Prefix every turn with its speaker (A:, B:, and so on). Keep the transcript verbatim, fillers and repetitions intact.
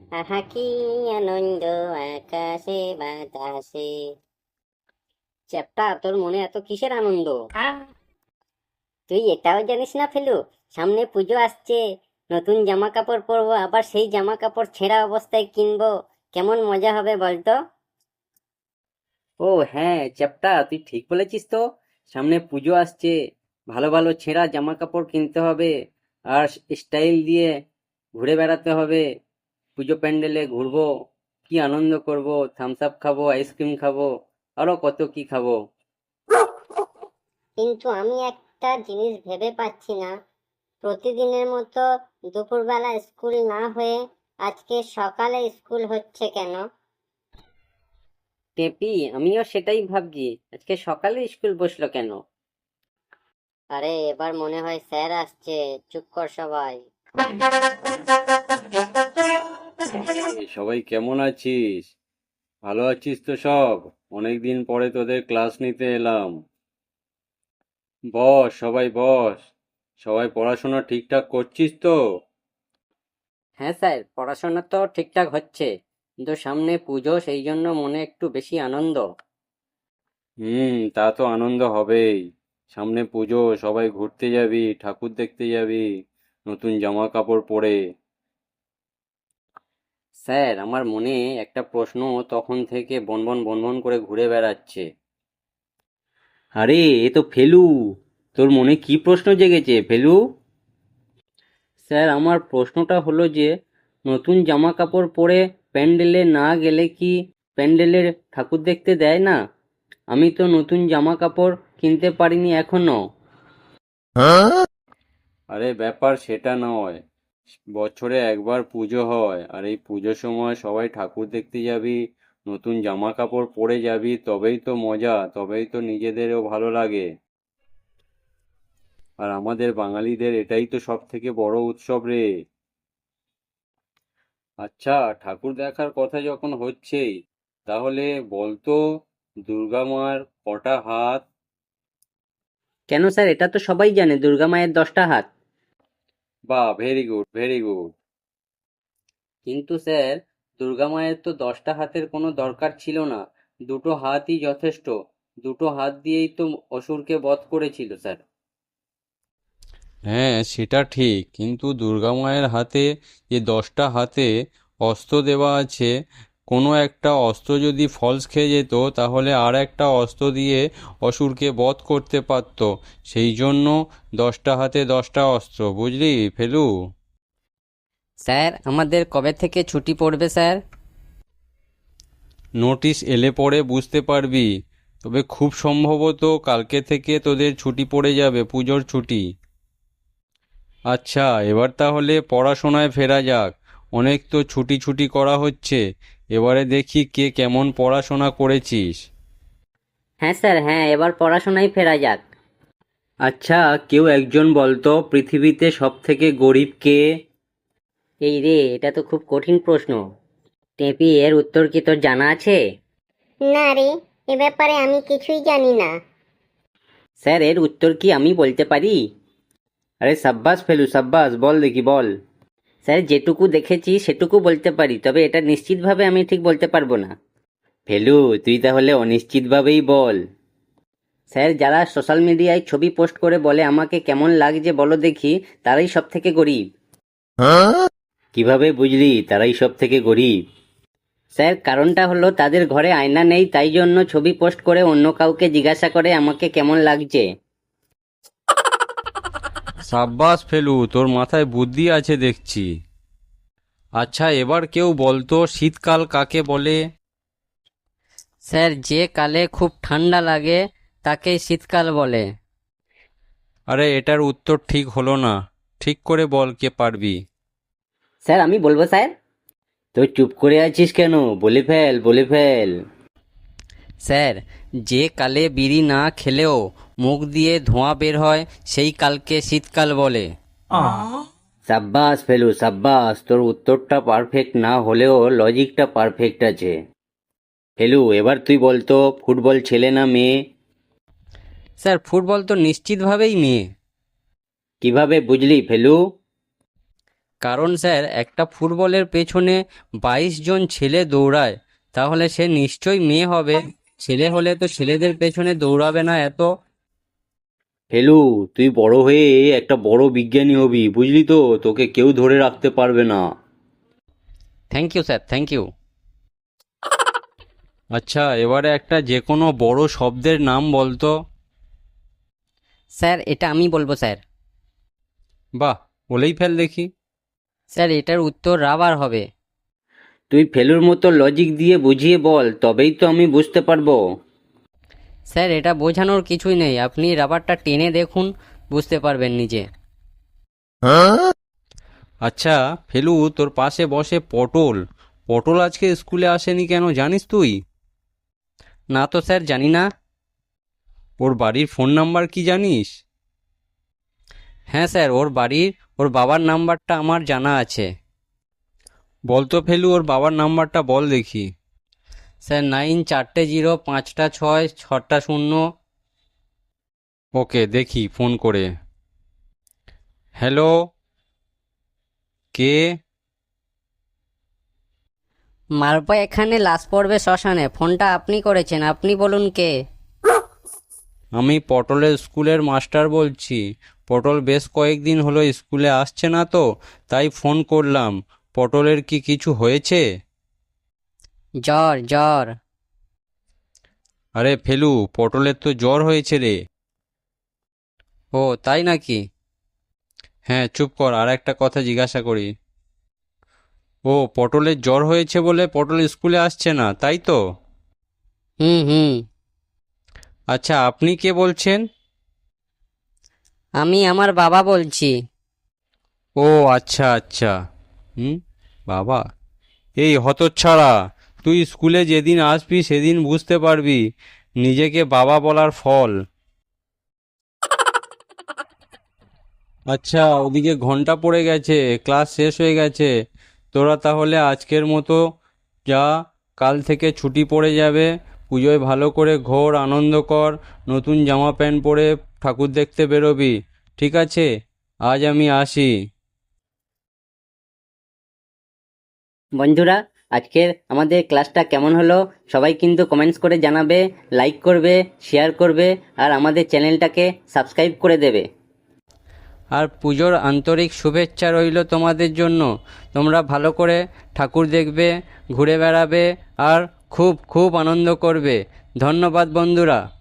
A: আহা কি আনন্দ আকাশে বাতাসে। চ্যাপ্টা, তোর মনে এত কিসের আনন্দ? তুই এটাও জানিস না ফেলু, সামনে পুজো আসছে, নতুন জামা কাপড় পরবো, আবার সেই জামা কাপড় ছেঁড়া অবস্থায় কিনবো। কেমন মজা হবে বলতো?
B: ও হ্যাঁ চ্যাপ্টা, তুই ঠিক বলেছিস তো। সামনে পুজো আসছে, ভালো ভালো ছেঁড়া জামা কাপড় কিনতে হবে, আর স্টাইল দিয়ে ঘুরে বেড়াতে হবে। পুজো প্যান্ডেলে ঘুরবো, কি আনন্দ করব, থামস আপ খাবো, আইসক্রিম খাবো, আরো কত কি খাবো।
A: কিন্তু আমি একটা জিনিস ভেবে পাচ্ছি না, প্রতিদিনের মতো দুপুরবেলা স্কুল না হয়ে আজকে সকালে স্কুল হচ্ছে কেন?
B: টেপি, আমিও সেটাই ভাবছি, আজকে সকালে স্কুল বসলো কেন।
A: আরে এবার মনে হয় স্যার আসছে, চুপ কর সবাই।
C: এই সবাই কেমন আছিস? ভালো আছিস তো সব? অনেকদিন পরে তোদের ক্লাস নিতে এলাম। বস, সবাই বস। সবাই পড়াশোনা ঠিকঠাক করছিস তো?
B: হ্যাঁ স্যার, পড়াশোনা তো ঠিকঠাক হচ্ছে, কিন্তু সামনে পুজো, সেই জন্য মনে একটু বেশি আনন্দ।
C: হুম, তা তো আনন্দ হবেই। সামনে পুজো, সবাই ঘুরতে যাবি, ঠাকুর দেখতে যাবি, নতুন জামা কাপড় পরে।
B: স্যার, আমার মনে একটা প্রশ্ন তখন থেকে বনবন বনবন করে ঘুরে বেড়াচ্ছে।
C: আরে এ তো ফেলু। তোর মনে কি প্রশ্ন জেগেছে ফেলু?
B: স্যার, আমার প্রশ্নটা হলো যে, নতুন জামা কাপড় পরে প্যান্ডেলে না গেলে কি প্যান্ডেলের ঠাকুর দেখতে দেয় না? আমি তো নতুন জামা কাপড় কিনতে পারিনি এখনো।
C: আরে ব্যাপার সেটা নয়। বছরে একবার পুজো হয়, আর এই পুজোর সময় সবাই ঠাকুর দেখতে যাবি, নতুন জামা কাপড় পরে যাবি, তবেই তো মজা, তবেই তো নিজেদেরও ভালো লাগে। আর আমাদের বাঙালিদের এটাই তো সব থেকে বড় উৎসব রে। আচ্ছা, ঠাকুর দেখার কথা যখন হচ্ছেই, তাহলে বলতো, দুর্গা মার কটা হাত?
B: কেন স্যার, এটা তো সবাই জানে, দুর্গা মায়ের দশটা হাত।
C: বাহ, ভেরি গুড, ভেরি গুড।
B: কিন্তু স্যার, দুর্গা মায়ের তো দশটা হাতের কোনো দরকার ছিল না, দুটো হাতই যথেষ্ট। দুটো হাত দিয়েই তো অসুরকে বধ করেছিল স্যার।
C: হ্যাঁ সেটা ঠিক, কিন্তু দুর্গা মায়ের হাতে যে দশটা হাতে অস্ত্র দেওয়া আছে, কোনো একটা অস্ত্র যদি ফলস খেয়ে যেত, তাহলে আর একটা অস্ত্র দিয়ে অসুরকে বধ করতে পারত। সেই জন্য দশটা হাতে দশটা অস্ত্র, বুঝলি ফেলু?
B: স্যার, আমাদের কবে থেকে ছুটি পড়বে স্যার?
C: নোটিশ এলে পরে বুঝতে পারবি। তবে খুব সম্ভবত কালকে থেকে তোদের ছুটি পড়ে যাবে, পুজোর ছুটি। আচ্ছা, এবার তাহলে পড়াশোনায় ফেরা যাক। অনেক তো ছুটি ছুটি করা হচ্ছে, এবারে দেখি কে কেমন পড়াশোনা করেছিস।
B: হ্যাঁ স্যার, হ্যাঁ, এবার পড়াশোনায় ফেরা যাক।
C: আচ্ছা, কেউ একজন বলতো, পৃথিবীতে সব থেকে গরিব কে?
B: এই রে, এটা তো খুব কঠিন প্রশ্ন। টেপি, এর উত্তর কি তোর জানা আছে?
A: না রে, এ ব্যাপারে আমি কিছুই জানি না।
B: স্যার, এর উত্তর কি আমি বলতে পারি?
C: আরে সাব্বাস ফেলু, সাব্বাস, বল দেখি বল।
B: স্যার, যেটুকু দেখেছি সেটুকু বলতে পারি, তবে এটা নিশ্চিতভাবে আমি ঠিক বলতে পারবো না।
C: ফেলু, তুই তাহলে অনিশ্চিতভাবেই বল।
B: স্যার, যারা সোশ্যাল মিডিয়ায় ছবি পোস্ট করে বলে আমাকে কেমন লাগছে বলো দেখি, তারাই সব থেকে গরিব।
C: কিভাবে বুঝলি তারাই সব থেকে গরিব?
B: স্যার, কারণটা হলো তাদের ঘরে আয়না নেই, তাই জন্য ছবি পোস্ট করে অন্য কাউকে জিজ্ঞাসা করে আমাকে কেমন লাগছে।
C: সাব্বাস ফেলু, তোর মাথায় বুদ্ধি আছে দেখছি। আচ্ছা, এবার কেউ বলতো, শীতকাল কাকে বলে?
B: স্যার, যে কালে খুব ঠান্ডা লাগে তাকেই শীতকাল বলে।
C: আরে এটার উত্তর ঠিক হলো না। ঠিক করে বল, কে পারবি?
B: স্যার, আমি বলবো স্যার।
C: তো চুপ করে আছিস কেন? বলে ফেল, বলে ফেল।
B: স্যার, যে কালে বিড়ি না খেলেও মুখ দিয়ে ধোঁয়া বের হয় সেই কালকে শীতকাল বলে।
C: সাব্বাস ফেলু, সাব্বাস, তোর উত্তরটা পারফেক্ট না হলেও লজিকটা পারফেক্ট আছে। ফেলু, এবার তুই বলতো, ফুটবল ছেলে না মেয়ে?
B: স্যার, ফুটবল তো নিশ্চিতভাবেই মেয়ে।
C: কিভাবে বুঝলি ফেলু?
B: কারণ স্যার একটা ফুটবলের পেছনে বাইশ জন ছেলে দৌড়ায়, তাহলে সে নিশ্চয়ই মেয়ে হবে। ছেলে হলে তো ছেলেদের পেছনে দৌড়াবে না এত।
D: ফেলু, তুই বড় হয়ে একটা বড় বিজ্ঞানী হবি, বুঝলি তো? তোকে কেউ ধরে রাখতে পারবে না।
B: Thank you sir, thank you.
C: আচ্ছা, এবারে একটা যে কোনো বড় শব্দের নাম বলতো।
A: স্যার এটা আমি বলবো স্যার।
C: বাহ, বলেই ফেল দেখি।
A: স্যার এটার উত্তর রাবার হবে।
D: তুই ফেলুর মতো লজিক দিয়ে বুঝিয়ে বল, তবেই তো আমি বুঝতে পারবো।
A: স্যার এটা বোঝানোর কিছুই নেই, আপনি রাবারটা টেনে দেখুন, বুঝতে পারবেন নিজে।
C: আচ্ছা ফেলু, তোর পাশে বসে পটল। পটল আজকে স্কুলে আসেনি কেন জানিস তুই?
B: না তো স্যার, জানি না।
C: ওর বাড়ির ফোন নাম্বার কি জানিস?
B: হ্যাঁ স্যার, ওর বাড়ির ওর বাবার নাম্বারটা আমার জানা আছে।
C: বলতো ফেলু, ওর বাবার নাম্বারটা বল দেখি।
B: স্যার নাইন চারটে জিরো পাঁচটা ছয় ছটা শূন্য।
C: ওকে, দেখি ফোন করে। হ্যালো, কে?
A: মালপা এখানে লাশ পড়বে শ্মশানে, ফোনটা আপনি করেছেন, আপনি বলুন কে?
C: আমি পটলের স্কুলের মাস্টার বলছি। পটল বেশ কয়েকদিন হলো স্কুলে আসছে না তো, তাই ফোন করলাম। পটলের কি কিছু হয়েছে?
A: জ্বর জ্বর।
C: আরে ফেলু, পটলের তো জ্বর হয়েছে রে।
B: ও তাই নাকি?
C: হ্যাঁ, চুপ কর, আর একটা কথা জিজ্ঞাসা করি। ও, পটলের জ্বর হয়েছে বলে পটল স্কুলে আসছে না, তাই তো?
A: হুম হুম।
C: আচ্ছা, আপনি কে বলছেন?
A: আমি আমার বাবা বলছি।
C: ও আচ্ছা আচ্ছা। হুম, বাবা। এই হতচ্ছাড়া, তুই স্কুলে যেদিন আসবি সেদিন বুঝতে পারবি নিজেকে বাবা বলার ফল। আচ্ছা, ওদিকে ঘন্টা পড়ে গেছে, ক্লাস শেষ হয়ে গেছে। তোরা তাহলে আজকের মতো যা, কাল থেকে ছুটি পড়ে যাবে। পুজোয় ভালো করে ঘোর, আনন্দ কর, নতুন জামা প্যান্ট পরে ঠাকুর দেখতে বেরোবি। ঠিক আছে, আজ আমি আসি।
B: বন্ধুরা, আজকের আমাদের ক্লাসটা কেমন হলো সবাই কিন্তু কমেন্টস করে জানাবে, লাইক করবে, শেয়ার করবে, আর আমাদের চ্যানেলটাকে সাবস্ক্রাইব করে দেবে। আর পুজোর আন্তরিক শুভেচ্ছা রইল তোমাদের জন্য। তোমরা ভালো করে ঠাকুর দেখবে, ঘুরে বেড়াবে, আর খুব খুব আনন্দ করবে। ধন্যবাদ বন্ধুরা।